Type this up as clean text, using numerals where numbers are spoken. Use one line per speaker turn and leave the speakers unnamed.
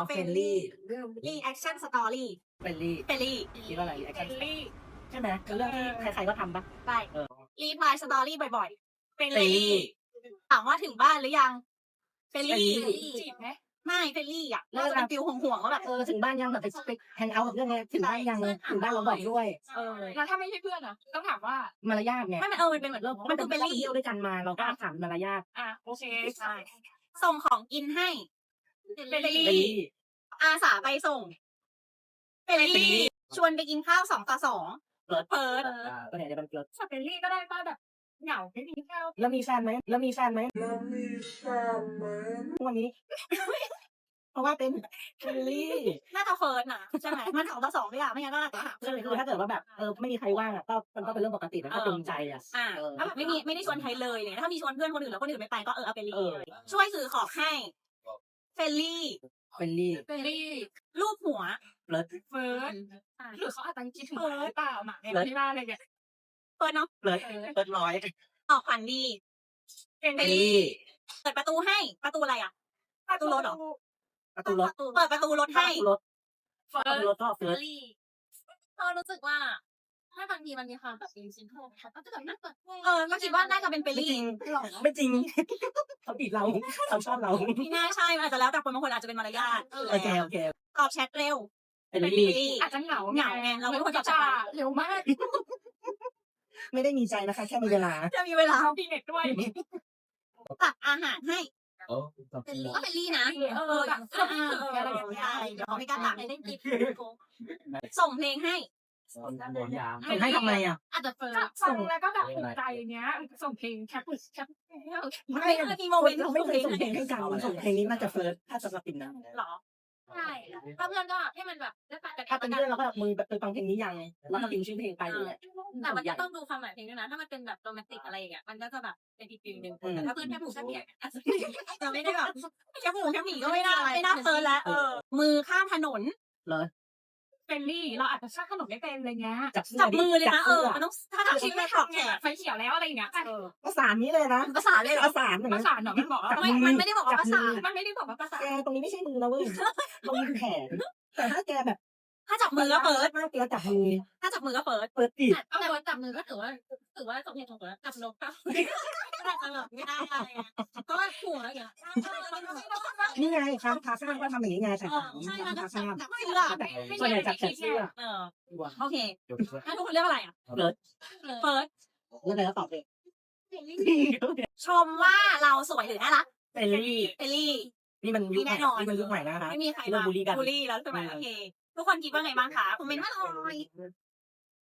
เฟรนลี่
รีแอคชั่นสตอรี่
เฟรนลี่
เฟรนลี่
คิดว่าอะไรรีแอค
เฟร
ชั่น
นลี่
ใช่ไหมคือเรื่องที่ใครๆก็ทำปะ
ไปรีพลายสตอรี่บ่อยๆเฟรน
เฟรน
ลี่
ลี่
ถามว่าถึงบ้านหรือยังเฟรนลี่
จีบไหม
ไม่เฟรนลี่อ่ะน่าจะเป็นฟิลห่วงๆว่าแบบ
ถึงบ้านยังแบบไปแฮงเอาท์กับเรื่องไงถึงบ้านยังถึงบ้านเราบอกด้วย
แล้วถ้าไม่ใช่เพื่อนอะต้องถามว่าม
ารยาทไง
ไม่มันมันเป็นเหมือนมันคือเฟรน
เรา
ลี่
เที่ยวด้วยกันมาเราก็ถามมารยาท
โอเค
ใช่ส่งของกินให้เฟรน
เฟรน
ลี่
ลี่
อาสาไปส่งเฟรนลี่ชวนไปกินข้าว2 ต่อ 2เปิด
ตัวไหนจะเป็นเกิร์ล
สเปนลี่ก็ได้ป้าแบบเหงาไม่มีข้าว
แล้วมีแฟนไหมวันนี้ เพราะว่าเป็นเฟรนลี่
น่าจะเฟิร์สนะใช่ไหมมัน2 ต่อ 2ไม่อยากไม่งั้นก็อาจจะหา
คือถ้าเกิดว่าแบบไม่มีใครว่างอ่ะก็มันก็เป็นเรื่องปกตินะก็ตรงใจอ่ะ
ถ้าแบบไม่ได้ชวนใครเลยเนี่ยถ้ามีชวนเพื่อนคนอื่นแล้วคนอื่นไม่ไปก็เอาเฟรนลี่เลยช่วยซื้อของให้เฟรนลี่
เฟรนลี่
สเปนลี่
รูปหัว
เฟิร์สหรือเขาอาจจะคิดถึงหรือเปล่าหมาในที่บ้านอะไรเงี้ย
เฟิร์สเนาะ
เปิดร้อย
ออกขวัญดี
เฟรน
เฟรน
ลี่
ลี่
เปิดประตูให้ประตูอะไรอ่ะประตูรถเหรอ
ประตูรถ
เปิดประตูรถให้
รถ
เฟิ
ประ
ร์
ตู
ส
รถก็เฟิร์ส
เรารู้สึกว่าถ้าบางทีมันมีความแบบเป็นซินโทรเขาก็จะแบบนั่งเปิดเพลง
ก็คิดว่าน่าจะเป็นเฟรน
ไม่จริ
ลี่
งไม่จริงเขาติดเราเขาชอบเรา
ที่น่าใช่มันอาจจะแล้วแต่คนบางคนอาจจะเป็นมารยาท
โอเค
ตอบแชทเร็ว
เฟรนลี่
อาจจะเหงา
เหงาไงเราไม่ควรจะจ่า
เร็วมาก
ไม่ได้มีใจนะคะแค่มีเวลา
จะมีเวลา
ดีเน็ตด้วย
ตักอาหารให้
เป็นก็เป็นลี่นะ
แบบอะไรอย่างเงี้ยเดี๋ยวเขาไม่กล้าตัก
เล่นกิน
ส่งเพลงให้
ส่งให้ทำไมอ่ะ
อาจจะเฟิร์
ฟังแล้วก็แบบถูกใจเนี้ยส่งเพลงแคปแคป
ไม่เคยมีโมเมนต์
เราไม่เคยส่งเพลงให้กันส่งเพลงนี้น่าจะเฟิร์สถ้าสำหรับปิ่นนะ
หรอ
ใช่ถ้าเพื่อนก็ให้มันแบบได้ปะแต่
ถ้าเป็นเพื่อนเราก็มือแบบฟังเพลงนี้ยังแล้วก็พิมพ์ชื่อเพลงไปเลย
แต่มันก็ต้องดูความหมายเพลงด้วยนะถ้ามันเป็นแบบโรแมนติกอะไรอย่างเงี้ยมันก็จะแบบเป็นอีกฟิลนึงแต่ถ้าเพื่อนแค่ผูกแค่เปียกอาจจะ
จะไม่ได้แบบแค่หมูแค่หมีก็ไม่ได้ไม่น่าเฟิร์นแล้วมือข้ามถนน
เฟรนลี่เราอาจจะชอบขนมไม่เป็นอะไรเงี้ย
จับมือเลยนะมันต้องถ้าทำชิ้นไม่ถอดแขน
ไฟเขียวแล้วอะไรเงี้ย
ประสานนี้เลยนะ
ภาษาเลยเหรอ
ประสาน
ภาษาเนาะมันบอกว่า
มันไม่ได้บอกว่าภาษา
มันไม่ได้บอกว่าภาษา
แกตรงนี้ไม่ใช่มือนะเว้ยตรงนี้คือแขนแต่ถ้าแกแบบ
ถ้าจับมือก็เฟิร์ส
มากแกจับมือ
ถ้าจับมือก็เฟิร์ส
เปิดติด
แต่ว่าจับมือก็ถือว่าสมเหตุสมผลจับนกก็
ไม่ได้เพราะว่าหัวอะไรอย่าง
นี่ไงครับพาข้างก็ทำอย่างนี้ไงใส่ถัง
ใช่มัน
พา
จั
ข้าง
บเสื้อ
ส่วนใหญ่จับแขนเสื้อ
โอเคงั้นทุกคนเลือกอะไรอ่ะเฟิร์ส
แล้วแต่ก็ตอบเอง
ชมว่าเราสวยหรือน่ารัก
เฟรนลี่
เฟรนลี่
นี่มันยุคใหม่นี่มันยุคใหม่นะคะ
ไม่มีใคร
เรื่องบูลลี่กัน
บูลลี่แล้วใช่ไหมโอเคทุกคนคิดว่าไงบ้างคะคอมเมนต์มาหน่อย